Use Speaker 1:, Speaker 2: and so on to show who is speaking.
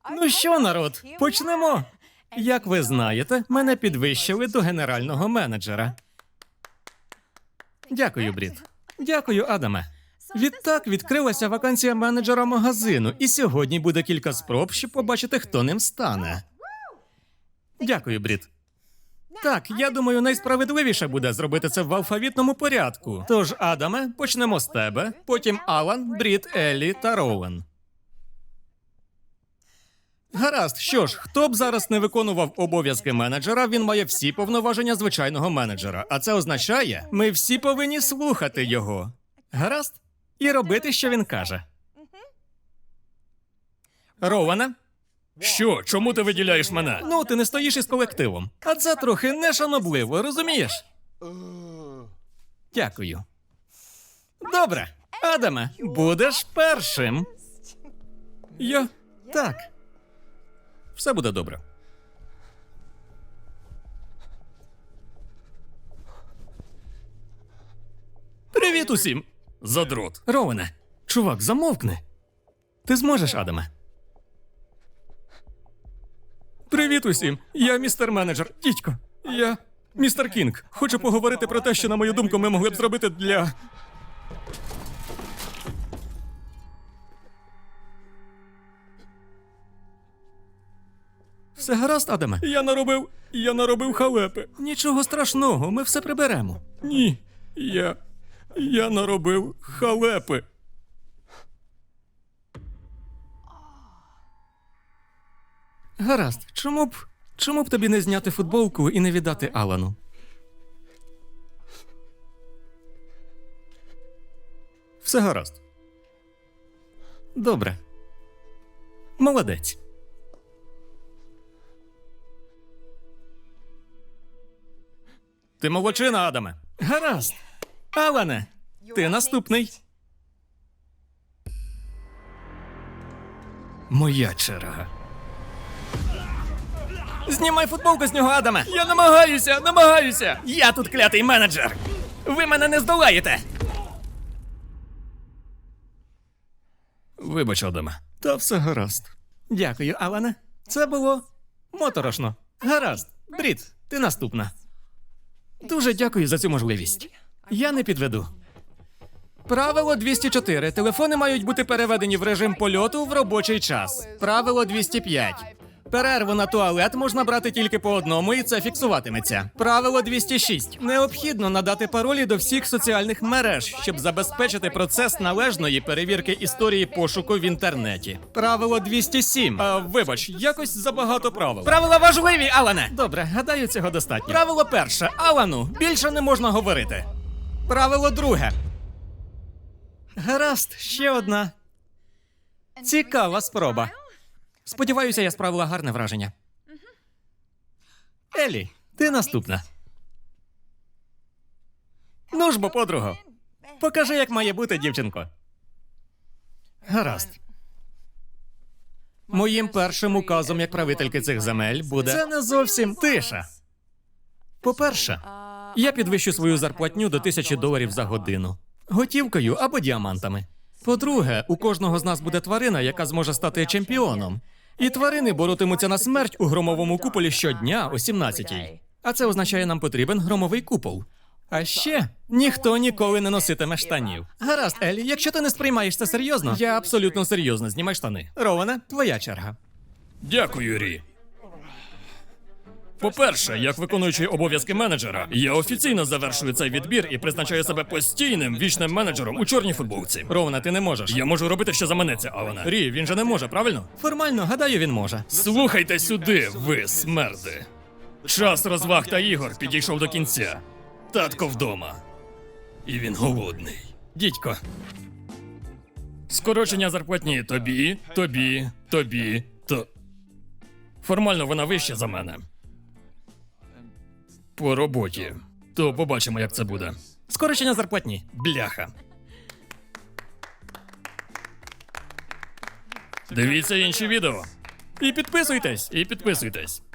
Speaker 1: Ну що, народ, почнемо. Як ви знаєте, мене підвищили до генерального менеджера. Дякую, Брід. Дякую, Адаме. Відтак відкрилася вакансія менеджера магазину, і сьогодні буде кілька спроб, щоб побачити, хто ним стане. Дякую, Брід. Так, я думаю, найсправедливіше буде зробити це в алфавітному порядку. Тож, Адаме, почнемо з тебе, потім Алан, Брід, Еллі та Роуен. Гаразд, що ж, хто б зараз не виконував обов'язки менеджера, він має всі повноваження звичайного менеджера. А це означає, ми всі повинні слухати його. Гаразд? І робити, що він каже. Роуене? Що? Чому ти виділяєш мене? Ну, ти не стоїш із колективом. А це трохи нешанобливо, розумієш? Дякую. Добре. Адаме, будеш першим. Я? Так. Все буде добре. Привіт усім! Задрот. Роуене, чувак, замовкни. Ти зможеш, Адаме? Привіт усім! Я містер менеджер. Дідько, я містер Кінг. Хочу поговорити про те, що, на мою думку, ми могли б зробити для... Все гаразд, Адаме? Я наробив халепи. Нічого страшного, ми все приберемо. Ні, я наробив халепи. Гаразд, чому б тобі не зняти футболку і не віддати Алану? Все гаразд. Добре. Молодець. Ти молодчина, Адаме. Гаразд. Алане, ти наступний. Моя черга. Знімай футболку з нього, Адаме. Я намагаюся. Я тут клятий менеджер. Ви мене не здолаєте. Вибач, Адаме. Та все гаразд. Дякую, Алане. Це було моторошно. Гаразд. Брід, ти наступна. Дуже дякую за цю можливість. Я не підведу. Правило 204. Телефони мають бути переведені в режим польоту в робочий час. Правило 205. Перерву на туалет можна брати тільки по одному, і це фіксуватиметься. Правило 206. Необхідно надати паролі до всіх соціальних мереж, щоб забезпечити процес належної перевірки історії пошуку в інтернеті. Правило 207. Вибач, якось забагато правил. Правила важливі, Алане! Добре, гадаю, цього достатньо. Правило перше. Алану, більше не можна говорити. Правило друге. Гаразд, ще одна. Цікава спроба. Сподіваюся, я справила гарне враження. Еллі, ти наступна. Ну ж бо, подруго, покажи, як має бути, дівчинко. Гаразд. Моїм першим указом як правительки цих земель буде... Це не зовсім тиша. По-перше, я підвищу свою зарплатню до $1000 за годину. Готівкою або діамантами. По-друге, у кожного з нас буде тварина, яка зможе стати чемпіоном. І тварини боротимуться на смерть у громовому куполі щодня о 17-й. А це означає, нам потрібен громовий купол. А ще ніхто ніколи не носитиме штанів. Гаразд, Еллі, якщо ти не сприймаєш це серйозно, я абсолютно серйозно, знімай штани. Роуене, твоя черга.
Speaker 2: Дякую, Рі. По-перше, як виконуючий обов'язки менеджера, я офіційно завершую цей відбір і призначаю себе постійним вічним менеджером у чорній футболці.
Speaker 1: Роуене, ти не можеш.
Speaker 2: Я можу робити, що заманеться, Алане.
Speaker 1: Рі, він же не може, правильно? Формально, гадаю, він може.
Speaker 2: Слухайте сюди, ви смерди. Час розваг та ігор підійшов до кінця. Татко вдома. І він голодний.
Speaker 1: Дідько.
Speaker 2: Скорочення зарплатні тобі. Формально вона вища за мене. По роботі. То побачимо, як це буде.
Speaker 1: Скорочення зарплатні.
Speaker 2: Бляха. Дивіться інші відео.
Speaker 1: І підписуйтесь.
Speaker 2: І підписуйтесь.